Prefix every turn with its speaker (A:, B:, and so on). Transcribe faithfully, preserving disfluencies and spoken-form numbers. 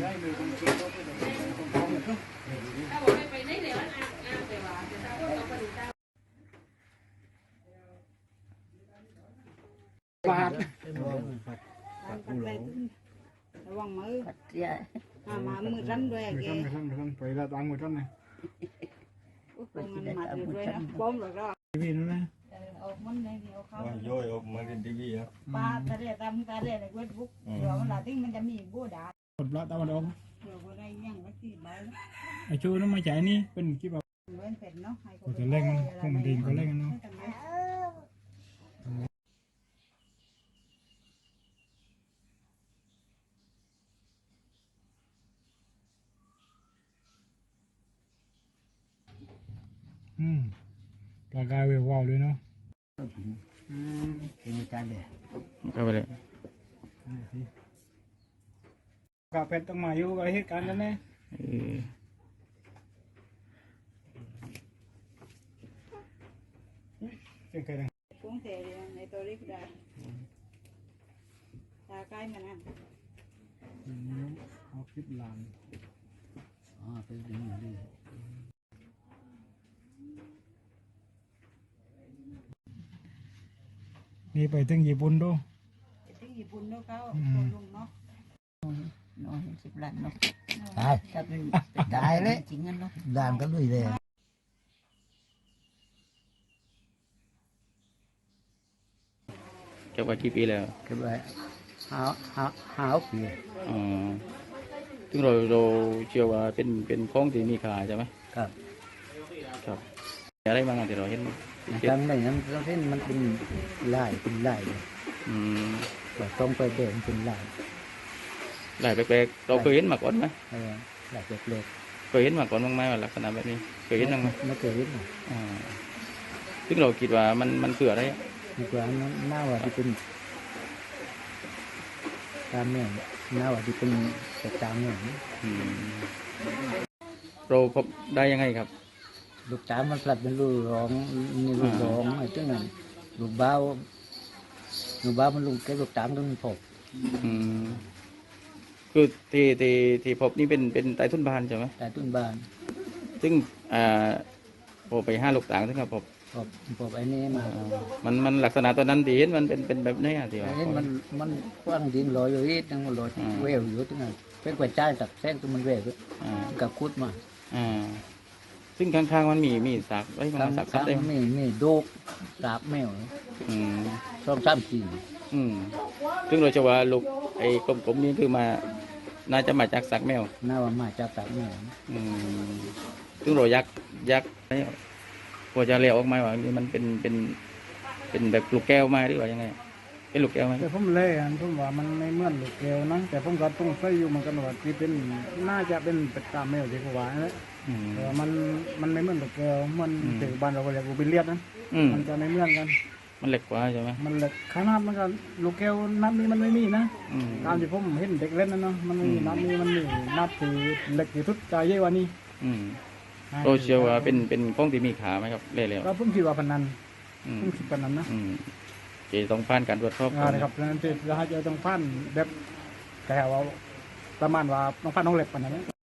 A: บาท
B: ระวังมือมามือรั้นด้วยแกมือรั้นมือรั้นไปละตังมือรั้นเลยมันมาด้วยนะป้อมหรอกก็ทีวีนั่นนะออกมันเลยเอาเขาโยยออกมาเป็นทีวีครับป้าตาเรียตามตาเรียในเฟซบุ๊กเดี๋ยวมันหลาติ้งมันจะมีบูดา
A: กดปลาตามันออก
B: เดี๋ยวอะไรยังไม่ตีใบ
A: ไอชูน้ำมาจ่ายนี่เป็นกี่แบบก็จะเล่นพวกมันดินก็เล่นเนาะอืมปลากายเวววาวเลยเนาะ
C: อืมเป็นจานเลย
D: เข้าไปเลย
A: กาเป็ดต้องมาอยู่กับเหตุการณ์นั้นแน่เจ๋งเคยดัง
B: ฟุ้งเตะในตัวริบได้ตาใกล้มันนั่น
A: เอาคลิปหลัง
C: อ๋อเป็นอย่างนี้
A: นี่ไปถึงญี่ปุ่นดู
B: ไปถึงญี่ปุ่นดูเขาคนลุงเนาะ
C: น้อยสิบล้านเนาะตายถ้าเป็นตายเลยจริงงั้นเนาะด่านก็ลุยเลย
D: เก็บไว้กี่ปีแล้ว
C: เก็บไว้ห้าห้าห้าปี
D: อ๋อซึ่งเราเราเชื่อว่าเป็นเป็นของที่มีค่าใช่ไหม
C: ครับ
D: ครับอะไรบ้างที่เราเห็น
C: ทำได้นั้นเราเห็นมันเป็นลายเป็นลายเลย
D: อืม
C: แบบต้องไปเดินเป็นลาย
D: ลายแปลกๆเราเคยเห็นมาก่อนไหม
C: เออลายแปลก
D: ๆเคยเห็นมาก่อนบ้างไหมว่าลักษณะแบบนี้เคยเห็นบ้างไหม
C: ไม่เคยเห็น
D: อ่าซึ่งเราคิดว่ามันมันคืออะไร
C: ดีกว่านั้นหน้าว่าที่เป็นตามเนี่ยหน้าว่าที่เป็นแต่ตามเนี่ย
D: เราพบได้ยังไงครับ
C: ลูกตามันผลัดเป็นลูกร้องนี่ลูกร้องไอ้ที่นั่นลูกบ้าลูกบ้ามันลูกแกลูกตามต้องพบ
D: คือที่ที่ที่พบนี่เป็นเป็นไตตุ้นบานใช่ไหม
C: ไตตุ้นบาน
D: ซึ่งอ่าพอไปห้าลูกต่างซึ่งครับพบ
C: พบพบไอ้นี่มา
D: มันมันลักษณะตัวนั้นที่เห็นมันเป็นเป็นแบบนี้อ่ะที่ว่า
C: เห็นมันมันกว้างดินลอยอยู่อีกนั่งลอยเวลอยู่ที่นั่นเป็นกว่าใจตักแทงตัวมันเวลกับคุดมา
D: อ่าซึ่งข้างๆมันมีมีสักไว้ข้างสักสักได้
C: มีมีโดกสาบแมว
D: อืม
C: ชอบซ้ำจี
D: อืมซึ่งเราจะว่าลูกไอ้กลมๆนี้คือมาน่าจะมาจากสักแมว
C: น่าว่ามาจากสักแมว
D: อืมซึ่งเรายักยักพอจะเลี้ยวออกมาว่านี่มันเป็นเป็นเป็นแบบลูกแก้วมาหรือว่ายังไงเป็นลูกแก้วไหม
A: แต่ผมเล่นผมว่ามันไม่เหมือนลูกแก้วนะแต่ผมก็ต้องใส่อยู่มันกันว่าที่เป็นน่าจะเป็นเป็ดตาแมวที่เขาว่านะแต่มันมันไม่เหมือนลูกแก้วมันถึงบ้านเราก็เรียกลูกบิลเลียดนะมันจะไม่เหมือนกัน
D: มันเล็กกว่าใช่ไหม
A: มันเล็กขนาดมันก็ลูกแก้วนับนี้มันไม่มีนะตามที่ผมเห็นเด็กเล่นนั่นเนาะมันไม่มีนับนี้มันมีนับที่เล็กที่สุดใจเยอะกว่านี้
D: เราเชื่อว่าเป็นเป็นของที่มีขาไหมครับเล่ๆ
A: ก็ผมคิดว่าพนันผมคิดพนันนะ
D: เจต้องผ่านการตรวจสอบ
A: นะครับนั่นจะจะให้เจอต้องผ่านแบบแต่ว่าประมาณว่าต้องผ่านน้องเล็บปนันนะ